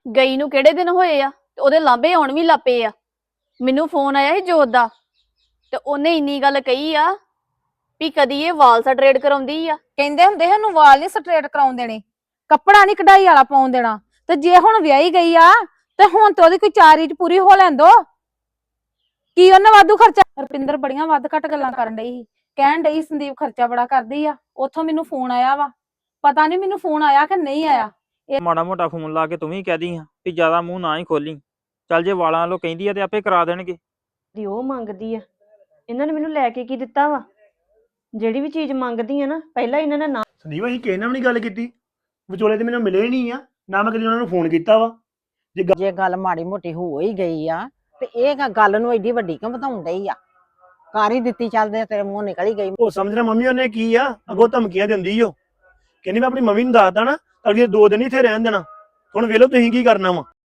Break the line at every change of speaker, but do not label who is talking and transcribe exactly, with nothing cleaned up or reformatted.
ਗਈ ਨੂੰ ਕਿਹੜੇ ਦਿਨ ਹੋਏ ਆ ਤੇ ਉਹਦੇ ਲਾਂਭੇ ਆਉਣ ਵੀ ਲੱਪੇ ਆ। ਮੈਨੂੰ ਫੋਨ ਆਇਆ ਸੀ ਜੋਤ ਦਾ ਤੇ ਉਹਨੇ ਇੰਨੀ ਗੱਲ ਕਹੀ ਆ ਵੀ ਕਦੀ ਇਹ ਵਾਲ ਸਟਰੇਟ ਕਰਾਉਂਦੀ ਆ।
ਕਹਿੰਦੇ ਹੁੰਦੇ ਸਾਨੂੰ ਵਾਲ ਨਹੀਂ ਸਟ੍ਰੇਟ ਕਰਾਉਣ ਦੇਣੇ, ਕੱਪੜਾ ਨਹੀਂ ਕਢਾਈ ਵਾਲਾ ਪਾਉਣ ਦੇਣਾ। ਤੇ ਜੇ ਹੁਣ ਵਿਆਹੀ ਗਈ ਆ ਤੇ ਹੁਣ ਤੇ ਉਹਦੀ ਕੋਈ ਚਾਰ ਰੀਝ ਪੂਰੀ ਹੋ ਲੈਣ ਦੋ। ਕੀ ਉਹਨੇ ਵਾਧੂ ਖਰਚਾ? ਰੁਪਿੰਦਰ ਬੜੀਆਂ ਵੱਧ ਘੱਟ ਗੱਲਾਂ ਕਰਨ ਡਈ ਸੀ, ਕਹਿਣ ਡਈ ਸੰਦੀਪ ਖਰਚਾ ਬੜਾ ਕਰਦੀ ਆ। ਉੱਥੋਂ ਮੈਨੂੰ ਫੋਨ ਆਇਆ ਵਾ, ਪਤਾ ਨਹੀਂ ਮੈਨੂੰ ਫੋਨ ਆਇਆ ਕਿ ਨਹੀਂ ਆਇਆ।
ਮਾੜਾ ਮੋਟਾ ਫੋਨ ਲਾ ਕੇ ਤੂੰ ਵੀ ਕਹਿ ਦੀ ਆ ਵੀ ਜ਼ਿਆਦਾ ਮੂੰਹ ਨਾ ਹੀ ਖੋਲੀ। ਚੱਲ ਜੇ ਵਾਲਾਂ ਵੱਲੋਂ ਕਹਿੰਦੀ ਆ ਤੇ ਆਪੇ ਕਰਾ ਦੇਣਗੇ।
ਦੀ ਉਹ ਮੰਗਦੀ ਆ, ਇਹਨਾਂ ਨੇ ਮੈਨੂੰ ਲੈ ਕੇ ਕੀ ਦਿੱਤਾ ਵਾ? ਜਿਹੜੀ ਵੀ ਚੀਜ਼ ਮੰਗਦੀ ਆ ਨਾ ਪਹਿਲਾਂ ਇਹਨਾਂ ਨੇ ਨਾ।
ਸੰਦੀਪ ਅਸੀਂ ਕਿਸੇ ਨਾਲ ਵੀ ਨਹੀਂ ਗੱਲ ਕੀਤੀ, ਵਿਚੋਲੇ ਤੇ ਮੈਨੂੰ ਮਿਲੇ ਨਹੀਂ ਆ, ਨਾ ਮੈਂ ਕਦੀ ਉਹਨਾਂ ਨੂੰ ਫੋਨ ਕੀਤਾ ਵਾ। ਜੇ
ਜੇ ਗੱਲ ਮਾੜੀ ਮੋਟੀ ਹੋ ਹੀ ਗਈ ਆ ਤੇ ਇਹ ਗੱਲ ਨੂੰ ਐਡੀ ਵੱਡੀ ਕਿਉਂ ਵਧਾਉਣ ਡਈ ਆ? ਕਰ ਹੀ ਦਿੱਤੀ, ਚੱਲਦੇ ਤੇਰੇ ਮੂੰਹ ਨਿਕਲ ਹੀ ਗਈ।
ਉਹ ਸਮਝਣਾ ਮੰਮੀ ਉਹਨੇ ਕੀ ਆ, ਅੱਗੋਂ ਧਮਕੀਆਂ ਦਿੰਦੀ ਓ, ਕਹਿੰਦੀ ਮੈਂ ਆਪਣੀ ਮੰਮੀ ਨੂੰ ਦੱਸਦਾ ਨਾ ਅਗਲੇ ਦੋ ਦਿਨ ਇੱਥੇ ਰਹਿਣ ਦੇਣਾ। ਹੁਣ ਵੇਖ ਲਓ ਤੁਸੀਂ ਕੀ ਕਰਨਾ ਵਾ।